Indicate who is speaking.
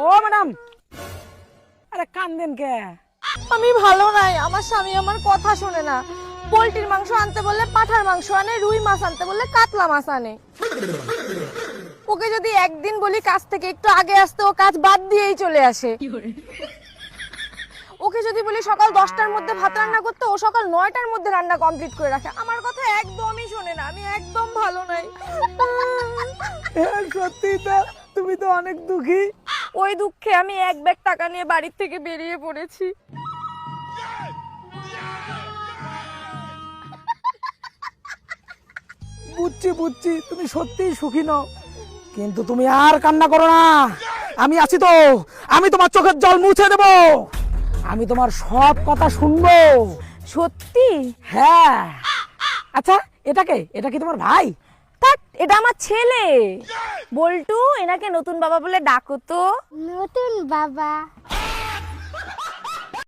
Speaker 1: ও madam, আরে কান্দেন কে?
Speaker 2: আমি ভালো নাই, আমার স্বামী আমার কথা শোনে না। পোল্ট্রির মাংস আনতে বললে পাঠার মাংস আনে, রুই মাছ আনতে বললে কাতলা মাছ আনে। ওকে যদি একদিন বলি কাজ থেকে একটু আগে আসতে, ও কাজ বাদ দিয়েই চলে আসে। ওকে যদি বলি সকাল 10টার মধ্যে ভাত রান্না করতে, ও সকাল 9টার মধ্যে রান্না কমপ্লিট করে রাখে। আমার কথা একদমই শোনে না, আমি একদম ভালো নাই।
Speaker 1: সত্যি তো, তুমি তো অনেক দুঃখী।
Speaker 2: ওই দুঃখে আমি এক ব্যাগ টাকা নিয়ে বাড়ির থেকে বেরিয়ে পড়েছি।
Speaker 1: বুঝছি বুঝছি, তুমি সত্যিই সুখী নও, কিন্তু তুমি আর কান্না করো না। আমি আছি তো, আমি তোমার চোখের জল মুছে দেব। আমি তোমার সব কথা শুনবো।
Speaker 2: সত্যি?
Speaker 1: হ্যাঁ। আচ্ছা, এটা কি তোমার ভাই?
Speaker 2: থাক, এটা আমার ছেলে বল্টু। এনাকে নতুন বাবা বলে ডাকো তো।
Speaker 3: নতুন বাবা।